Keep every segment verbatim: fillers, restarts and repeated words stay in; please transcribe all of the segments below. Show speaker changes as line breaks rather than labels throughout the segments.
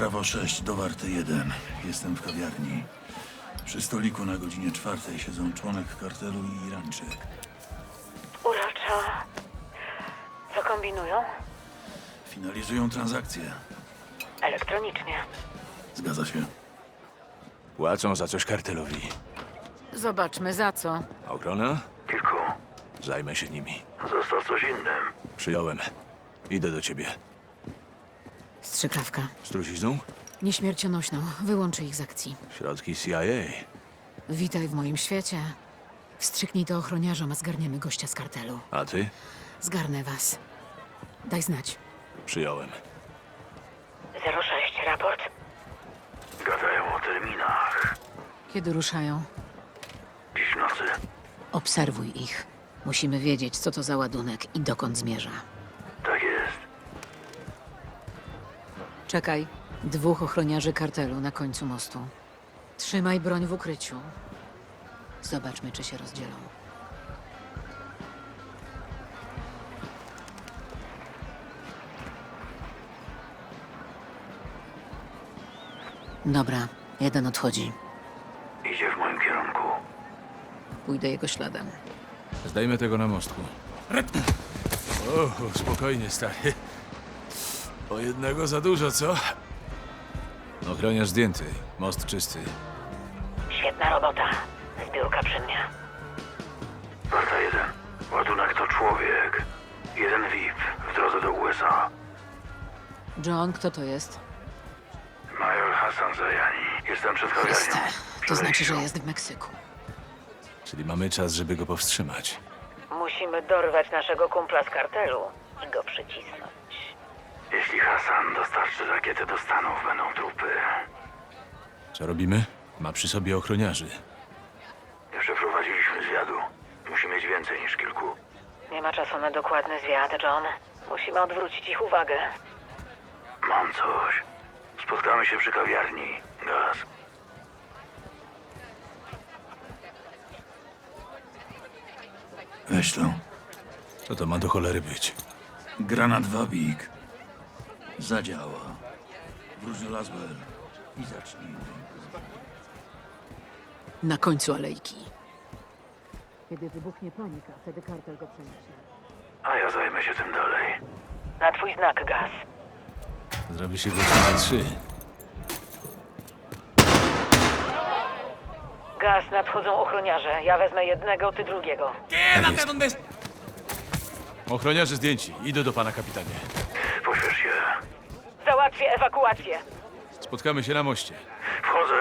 Brawo sześć do Warty jeden. Jestem w kawiarni. Przy stoliku na godzinie czwartej siedzą członek kartelu i Irańczyk.
Uroczo. Co kombinują?
Finalizują transakcję.
Elektronicznie.
Zgadza się.
Płacą za coś kartelowi.
Zobaczmy za co.
Ochrona?
Kilku.
Zajmę się nimi.
Został coś innym.
Przyjąłem. Idę do ciebie.
Strzykawka.
Z trucizną?
Nieśmiercionośną. Wyłączy ich z akcji.
Środki C I A.
Witaj w moim świecie. Wstrzyknij to ochroniarzom, a zgarniemy gościa z kartelu.
A ty?
Zgarnę was. Daj znać.
Przyjąłem.
zero sześć, raport.
Gadają o terminach.
Kiedy ruszają?
Dziś w nocy.
Obserwuj ich. Musimy wiedzieć, co to za ładunek i dokąd zmierza.
Tak jest.
Czekaj. Dwóch ochroniarzy kartelu na końcu mostu. Trzymaj broń w ukryciu. Zobaczmy, czy się rozdzielą. Dobra, jeden odchodzi.
Idzie w moim kierunku.
Pójdę jego śladem.
Zdajmy tego na mostku. O, spokojnie, stary. O jednego za dużo, co? Ochroniarz zdjęty. Most czysty.
Świetna robota. Zbiórka przy mnie.
Warta jeden. Ładunek to człowiek. Jeden V I P w drodze do U S A.
John, kto to jest?
Major Hassan Zajani. Jestem przed kawiarnią.
Chryste. To
Przed
znaczy, że
wejściem.
jest w Meksyku.
Czyli mamy czas, żeby go powstrzymać.
Musimy dorwać naszego kumpla z kartelu i go przycisnąć.
Jeśli Hassan dostarczy rakietę do Stanów, będą trupy.
Co robimy? Ma przy sobie ochroniarzy.
Nie przeprowadziliśmy zwiadu. Musi mieć więcej niż kilku.
Nie ma czasu na dokładny zwiat, John. Musimy odwrócić ich uwagę.
Mam coś. Spotkamy się przy kawiarni. Gaz. Weź to.
Co to ma do cholery być?
Granat Wabik. Zadziała. Wróć do Laswell i zacznijmy.
Na końcu alejki. Kiedy wybuchnie panika, wtedy kartel go przeniesie.
A ja zajmę się tym dalej.
Na twój znak, Gaz.
Zrobi się godzina trzy.
Gaz, nadchodzą ochroniarze. Ja wezmę jednego, ty drugiego.
Tak jest. Ochroniarze zdjęci. Idę do pana kapitanie.
Pośpiesz się.
Załatwię ewakuację.
Spotkamy się na moście.
Wchodzę.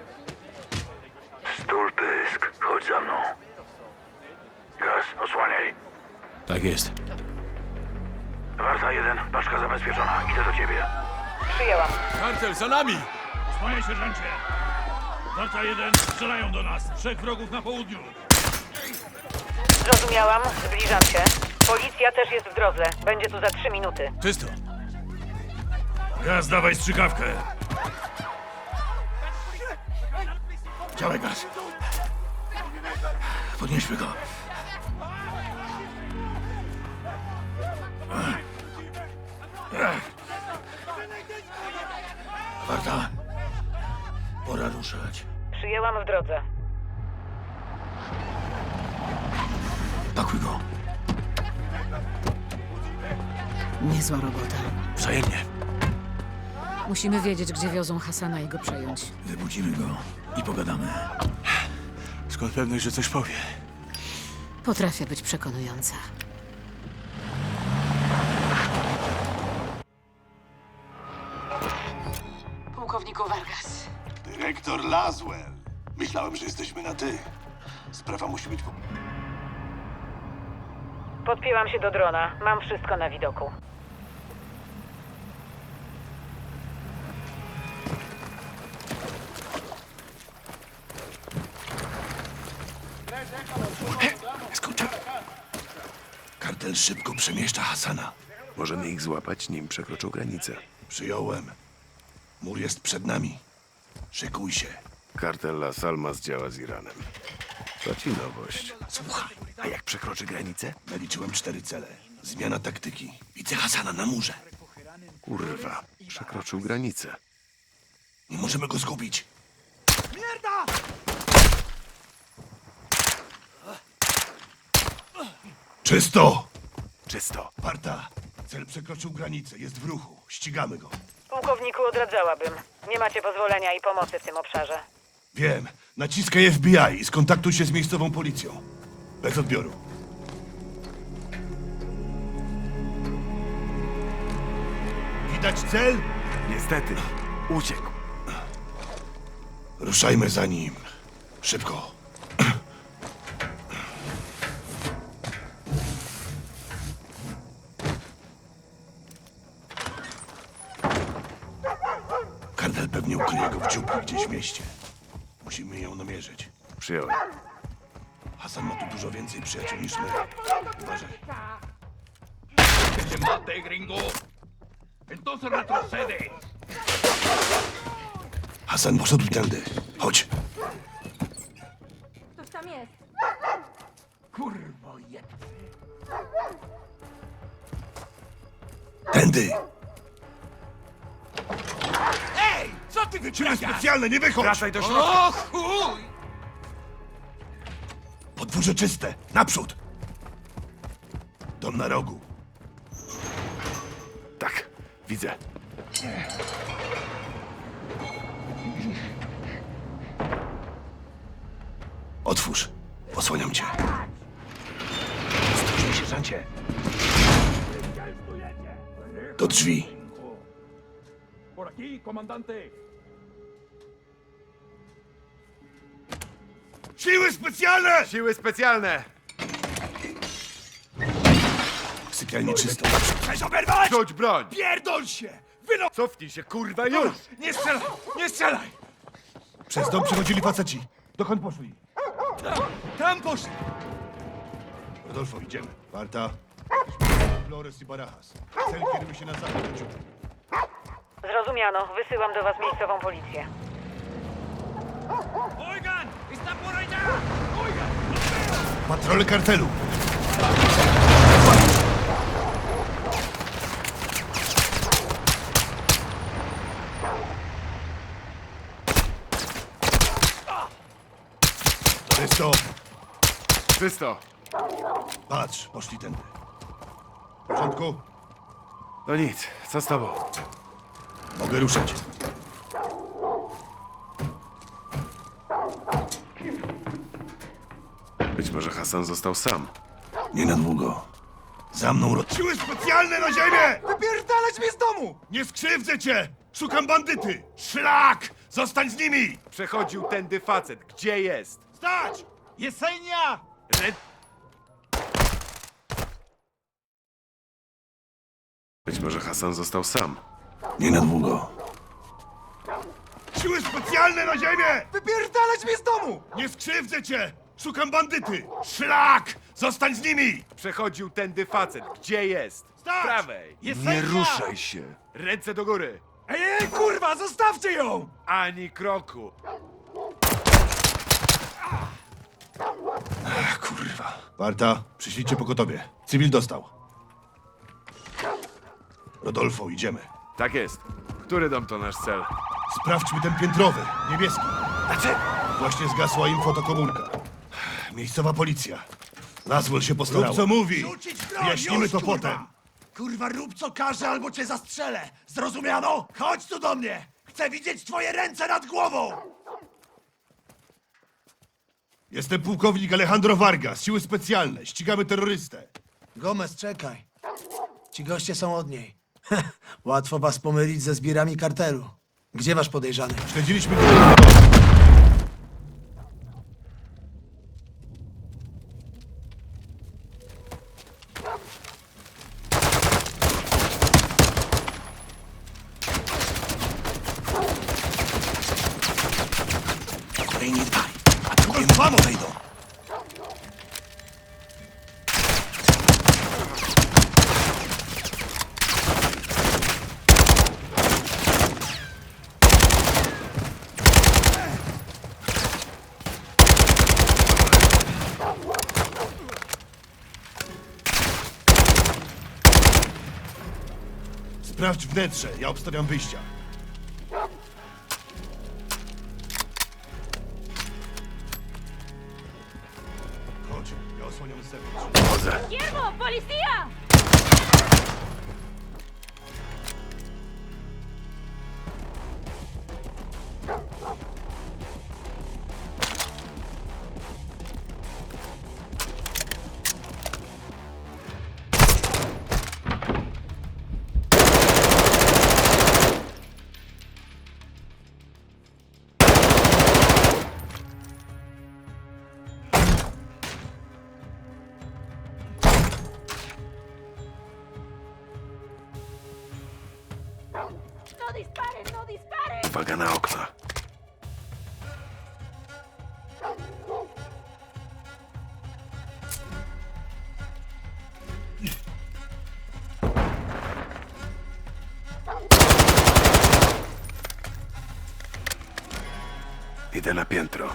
Stul pysk. Chodź za mną. Gaz, osłaniaj.
Tak jest.
Warta jeden. Paczka zabezpieczona. Idę do ciebie.
Przyjęłam.
Kartel, za nami!
Panie sierżancie! Warta jeden, strzelają do nas. Trzech wrogów na południu.
Zrozumiałam. Zbliżam się. Policja też jest w drodze. Będzie tu za trzy minuty.
Czysto.
Gaz, dawaj strzykawkę.
Działaj, Gaz. Podnieśmy go. Warta. Pora ruszać.
Przyjęłam w drodze.
Pakuj go.
Niezła robota.
Wzajemnie.
Musimy wiedzieć, gdzie wiozą Hasana i go przejąć.
Wybudzimy go i pogadamy.
Skąd pewność, że coś powie?
Potrafię być przekonująca. Pułkowniku Vargas.
Dyrektor Laswell. Myślałem, że jesteśmy na ty. Sprawa musi być... po-
Podpięłam się do drona. Mam wszystko na widoku.
Skończę. Kartel szybko przemieszcza Hasana.
Możemy ich złapać, nim przekroczą granicę.
Przyjąłem. Mur jest przed nami. Szykuj się.
Kartel Las Almas działa z Iranem. To ci nowość.
Słuchaj,
A jak przekroczy granicę?
naliczyłem cztery cele. Zmiana taktyki. Widzę Hasana na murze.
Kurwa, przekroczył granicę. Możemy go zgubić. Czysto!
Czysto.
Warta, cel przekroczył granicę, jest w ruchu. Ścigamy go.
Pułkowniku, odradzałabym. Nie macie pozwolenia i pomocy w tym obszarze.
Wiem. Naciskaj F B I i skontaktuj się z miejscową policją. Bez odbioru. Widać cel?
Niestety. Uciekł.
Ruszajmy za nim. Szybko. Kartel pewnie ukryje go w dziupli gdzieś w mieście. Musimy ją namierzyć.
Przyjąłem.
Hasan ma tu dużo więcej przyjaciół niż my. Uważaj.
¡Que se mate, gringo! ¡Entonces retrocede!
Hasan poszedł tędy. Chodź.
Ktoś tam jest.
¡Curvo y
Tędy.
¡Ey! ¡Co ty
Siły
wyprawiasz!
specjalne, nie wychodź!
Wracaj do środka.
¡O chuj!
Podwórze czyste. Naprzód. Dom na rogu.
Tak, widzę.
Otwórz. Osłaniam cię.
Ostrożnie, sierżancie.
Do drzwi.
Por aquí, comandante.
Siły specjalne!
Siły specjalne!
Sypialnie czysto. Naprzód.
¡Chcesz oberwać!
Rzuć broń!
¡Pierdol się! Wyno...
Cofnij się, kurwa, już!
Nie strzelaj! Nie strzelaj!
Przez dom przechodzili faceci. Dokąd poszli?
Tam poszli!
Rodolfo, idziemy. Warta. Flores i Barajas. Cel kieruje się na zachód do dziupli.
Zrozumiano. Wysyłam do was miejscową policję.
¡Oigan! ¡Está por allá! ¡Oigan!
Patrole kartelu. Czysto.
Czysto.
Patrz, poszli tędy. W porządku?
No nic, co z tobą?
Mogę ruszać.
Być może Hasan został sam.
Nie na długo. Za mną ro... Siły specjalne na ziemię!
¡Wypierdalać mnie z domu!
Nie skrzywdzę cię! Szukam bandyty! Szlak! Zostań z nimi!
Przechodził tędy facet. Gdzie jest?
¡Stać! ¡Jesenia!
Red... Być może Hasan został sam.
Nie na długo. Siły specjalne na ziemię!
¡Wypierdalać mnie z domu!
Nie skrzywdzę cię! Szukam bandyty! Szlak! Zostań z nimi!
Przechodził tędy facet. Gdzie jest? Z
Stać!
prawej.
¡Jesenia!
się. Ręce do góry.
¡Ej, ej, kurwa! Zostawcie ją!
Ani kroku.
Ach, kurwa. Warta, przyślijcie pogotowie. Cywil dostał. Rodolfo, idziemy.
Tak jest. Który dom to nasz cel?
Sprawdźmy ten piętrowy, niebieski.
Znaczy?
Właśnie zgasła im fotokomórka. Miejscowa policja. Laswell się postarał. Rób co mówi.
Rzucić broń,
Wyjaśnimy
już,
to
kurwa.
potem.
Kurwa, rób co każe, albo cię zastrzelę! Zrozumiano? Chodź tu do mnie! Chcę widzieć twoje ręce nad głową!
Jestem pułkownik Alejandro Vargas, siły specjalne. Ścigamy terrorystę.
Gomez, czekaj. Ci goście są od niej. Łatwo was pomylić ze zbirami kartelu. Gdzie wasz podejrzany?
Śledziliśmy go.
Ej, nie dbaj. Atakujemy
Vamos!
wejdą.
Sprawdź wnętrze, ja obstawiam wyjścia. sobie.
Chodzę.
¡Guillermo! ¡Policía! ¡No disparen! ¡No disparen!
Uwaga na okna. Idę na piętro.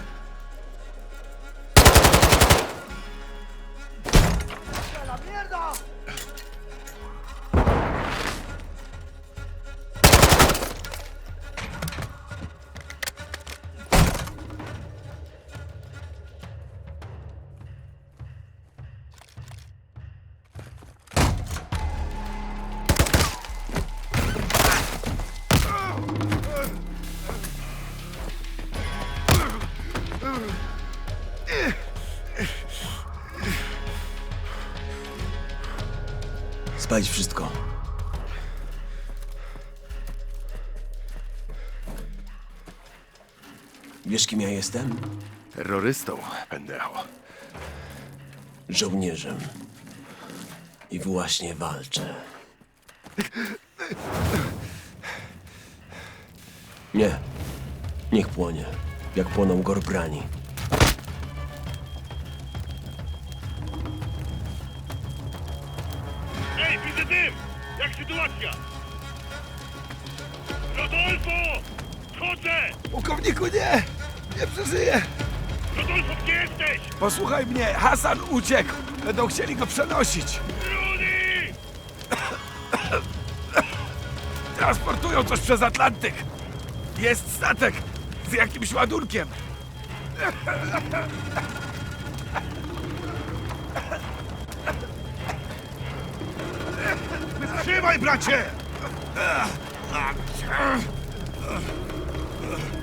¡La mierda!
Spalić wszystko. Wiesz, kim ja jestem?
Terrorystą, pendejo.
Żołnierzem. I właśnie walczę. Nie. Niech płonie. Jak płoną gorbrani.
Ej, widzę dym! Jak sytuacja? Rodolfo! Chodzę!
Pułkowniku, nie! Nie przeżyję!
Rodolfo, gdzie jesteś?
Posłuchaj mnie, Hasan uciekł! Będą chcieli go przenosić!
Rudy!
Transportują coś przez Atlantyk! Jest statek z jakimś ładunkiem!
Trzymaj, bracie!